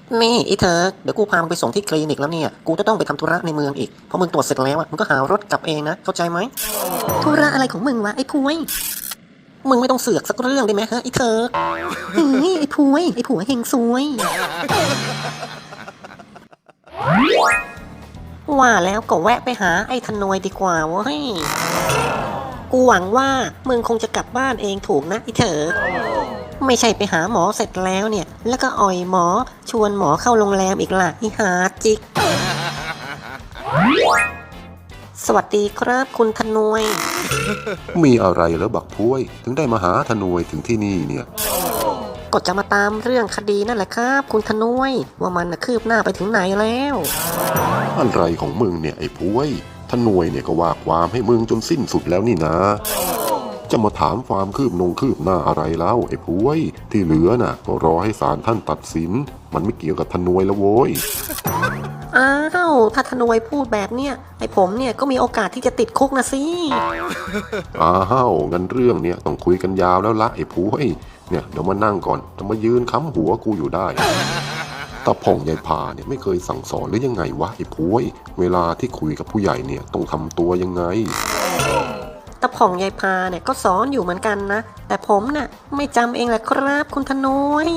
นี่ไอ้เธอเดี๋ยวกูพามึงไปส่งที่คลินิกแล้วเนี่ยกูจะต้องไปทำธุระในเมืองอีกพอมึงตรวจเสร็จแล้วมึงก็หารถกลับเองนะเข้าใจไหมธุระอะไรของมึงวะไอ้พวยมึงไม่ต้องเสือกสักเรื่องได้ไหมฮะไอ้เธอเฮ้ยไอ้พวยไอ้ผัวเฮงซวยว่าแล้วก็แวะไปหาไอ้ธนวยดีกว่าเว้ยกูหวังว่ามึงคงจะกลับบ้านเองถูกนะไอ้เธอไม่ใช่ไปหาหมอเสร็จแล้วเนี่ยแล้วก็อ่อยหมอชวนหมอเข้าโรงแรมอีกล่ะอีหาจิกสวัสดีครับคุณธนวยมีอะไรแล้วบักพ้วยถึงได้มาหาธนวยถึงที่นี่เนี่ยก็จะมาตามเรื่องคดีนั่นแหละครับคุณธนวยว่ามันคืบหน้าไปถึงไหนแล้วอะไรของมึงเนี่ยไอ้พ้วยธนวยเนี่ยก็ว่าความให้มึงจนสิ้นสุดแล้วนี่นะจะมาถามความคืบหน้าอะไรแล้วไอ้พ้วยที่เหลือน่ะก็รอให้ศาลท่านตัดสินมันไม่เกี่ยวกับธนวยแล้วโว้ยอ้าวถ้าธนวยพูดแบบเนี้ยไอ้ผมเนี่ยก็มีโอกาสที่จะติดคุกนะสิอ้าวงั้นเรื่องเนี่ยต้องคุยกันยาวแล้วละไอ้พ้วยเนี่ยเดี๋ยวมานั่งก่อนจะมายืนค้ำหัวกูอยู่ได้ตาผ่องยายพาเนี่ยไม่เคยสั่งสอนหรือยังไงวะไอ้พ้วยเวลาที่คุยกับผู้ใหญ่เนี่ยต้องทำตัวยังไงตาผ่องยายพาเนี่ยก็สอนอยู่เหมือนกันนะแต่ผมน่ะไม่จำเองแหละครับคุณธนวย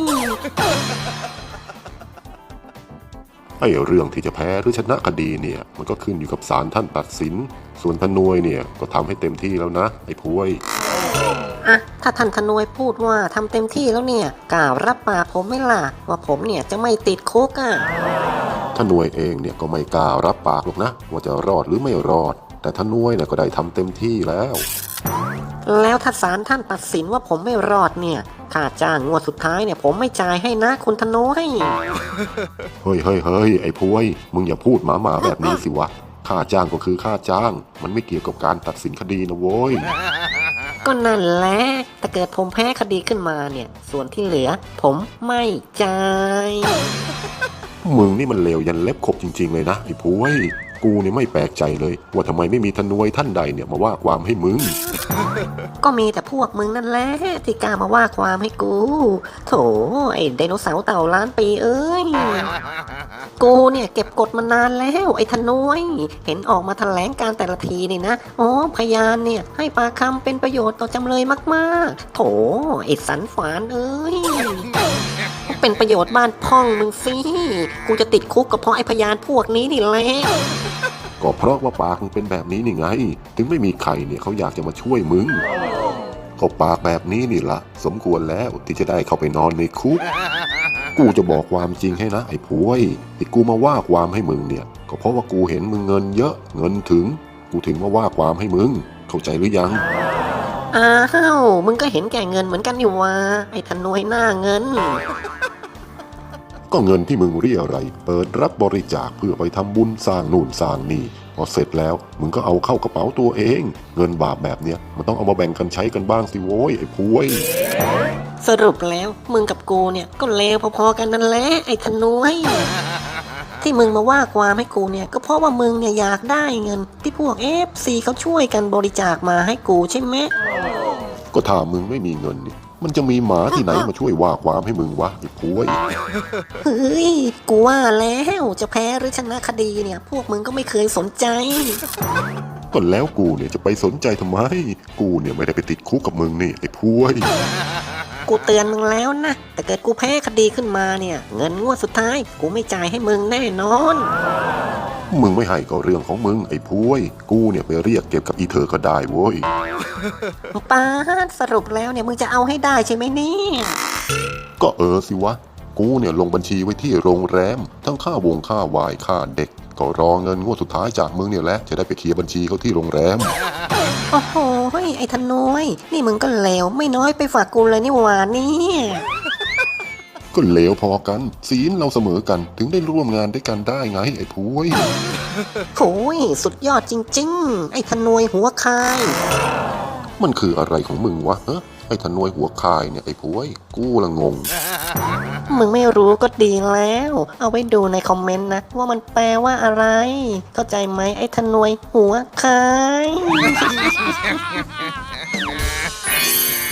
ไอ้เรื่องที่จะแพ้หรือชนะคดีเนี่ยมันก็ขึ้นอยู่กับศาลท่านตัดสินส่วนธนวยเนี่ยก็ทำให้เต็มที่แล้วนะไอ้พ้วยอะถ้าท่านธนวยพูดว่าทำเต็มที่แล้วเนี่ยกล่าวรับปากผมไม่ล่ะว่าผมเนี่ยจะไม่ติดคุกอ่ะธนวยเองเนี่ยก็ไม่กล้ารับปากหรอกนะว่าจะรอดหรือไม่รอดแต่ธนวยเนี่ยก็ได้ทำเต็มที่แล้วแล้วถ้าศาลท่านตัดสินว่าผมไม่รอดเนี่ยค่าจ้างงวดสุดท้ายเนี่ยผมไม่จ่ายให้นะคุณธนวยเฮ้ยไอ้พ้วยมึงอย่าพูดหมาแบบนี้สิวะค่าจ้างก็คือค่าจ้างมันไม่เกี่ยวกับการตัดสินคดีนะโว้ยก็นั่นแหละแต่เกิดผมแพ้คดีขึ้นมาเนี่ยส่วนที่เหลือผมไม่จ่ายมึงนี่มันเลวยันเล็บขบจริงๆเลยนะไอ้พ้วยกูเนี่ยไม่แปลกใจเลยว่าทำไมไม่มีธนวยท่านใดเนี่ยมาว่าความให้มึงก็มีแต่พวกมึงนั่นแหละที่กล้ามาว่าความให้กูโถไอ้ไดโนเสาร์เต่าล้านปีเอ้ยกูเนี่ยเก็บกดมานานแล้วไอ้ธนวยเห็นออกมาแถลงการแต่ละทีนี่นะอ๋อพยานเนี่ยให้ปากคำเป็นประโยชน์ต่อจำเลยมากๆโถไอ้สันฝานเอ้ยเป็นประโยชน์บ้านพ่องมึงสิกูจะติดคุกก็เพราะไอ้พยานพวกนี้นี่แหละก็เพราะว่าปากมึงเป็นแบบนี้นี่ไงถึงไม่มีใครเนี่ยเขาอยากจะมาช่วยมึงก็ปากแบบนี้นี่ละสมควรแล้วที่จะได้เข้าไปนอนในคุกกูจะบอกความจริงให้นะไอ้พ้วยที่กูมาว่าความให้มึงเนี่ยก็เพราะว่ากูเห็นมึงเงินเยอะเงินถึงกูถึงมาว่าความให้มึงเข้าใจหรือยังอ้าวมึงก็เห็นแก่เงินเหมือนกันอยู่วะไอ้ธนวยหน้าเงินก็เงินที่มึงเรียอะไรยเปิดรับบริจาคเพื่อไปทำบุญสร้างนู่นสร้างนี่พอเสร็จแล้วมึงก็เอาเข้ากระเป๋าตัวเองเงินบาปแบบเนี้ยมันต้องเอามาแบ่งกันใช้กันบ้างสิโว้ยไอ้พวยสรุปแล้วมึงกับกูเนี่ยก็เลวพอๆกันนั่นแหละไอ้ธนวยที่มึงมาว่าความให้กูเนี่ยก็เพราะว่ามึงเนี่ยอยากได้เงินที่พวก FC เขาช่วยกันบริจาคมาให้กูใช่ไหมก็ถ้ามึงไม่มีเงินนี่มันจะมีหมาที่ไหนมาช่วยว่าความให้มึงวะไอ้พวยเฮ้ยกูว่าแล้วจะแพ้หรือชนะคดีเนี่ยพวกมึงก็ไม่เคยสนใจก็แล้วกูเนี่ยจะไปสนใจทำไมกูเนี่ยไม่ได้ไปติดคุกกับมึงนี่ไอ้พวยกูเตือนมึงแล้วนะแต่เกิดกูแพ้คดีขึ้นมาเนี่ยเงินงวดสุดท้ายกูไม่จ่ายให้มึงแน่นอนมึงไม่ให้ก็เรื่องของมึงไอ้พวยกูเนี่ยไปเรียกเก็บกับอีเธอก็ได้โว้ยป้าสรุปแล้วเนี่ยมึงจะเอาให้ได้ใช่ไหมเนี่ยก็สิวะกูเนี่ยลงบัญชีไว้ที่โรงแรมทั้งค่าวายค่าเด็กก็รอเงินงวดสุดท้ายจากมึงเนี่ยแหละจะได้ไปเคลียร์บัญชีเขาที่โรงแรมโอ้โหไอ้ธนวยนี่มึงก็เลวไม่น้อยไปฝากกูเลยนี่หว่าเนี่ยก็เลวพอกันศีลเราเสมอกันถึงได้ร่วมงานด้วยกันได้ไงไอ้พวยโหยสุดยอดจริงๆไอ้ธนวยหัวคายมันคืออะไรของมึงวะไอ้ธนวยหัวคายเนี่ยไอ้พวยกูละงงมึงไม่รู้ก็ดีแล้วเอาไว้ดูในคอมเมนต์นะว่ามันแปลว่าอะไรเข้าใจไหมไอ้ธนวยหัวคาย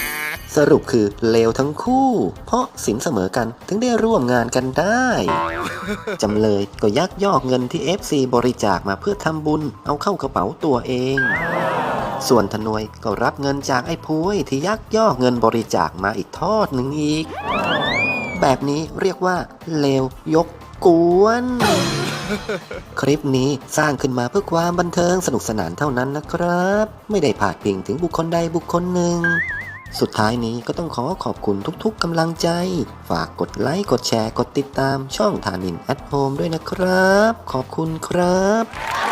สรุปคือเลวทั้งคู่ เพราะสินเสมอกันถึงได้ร่วมงานกันได้ จำเลยก็ยักยอกเงินที่ FC บริจาคมาเพื่อทำบุญเอาเข้ากระเป๋าตัวเอง ส่วนทนวยก็รับเงินจากไอ้พุ้ยที่ยักยอกเงินบริจาคมาอีกทอดหนึ่งอีก แบบนี้เรียกว่าเลวยกกวน คลิปนี้สร้างขึ้นมาเพื่อความบันเทิงสนุกสนานเท่านั้นนะครับ ไม่ได้พาดพิงถึงบุคคลใดบุคคลหนึ่ง สุดท้ายนี้ก็ต้องขอบคุณทุกๆกำลังใจ ฝากกดไลค์กดแชร์กดติดตามช่องธานินแอทโฮมด้วยนะครับ ขอบคุณครับ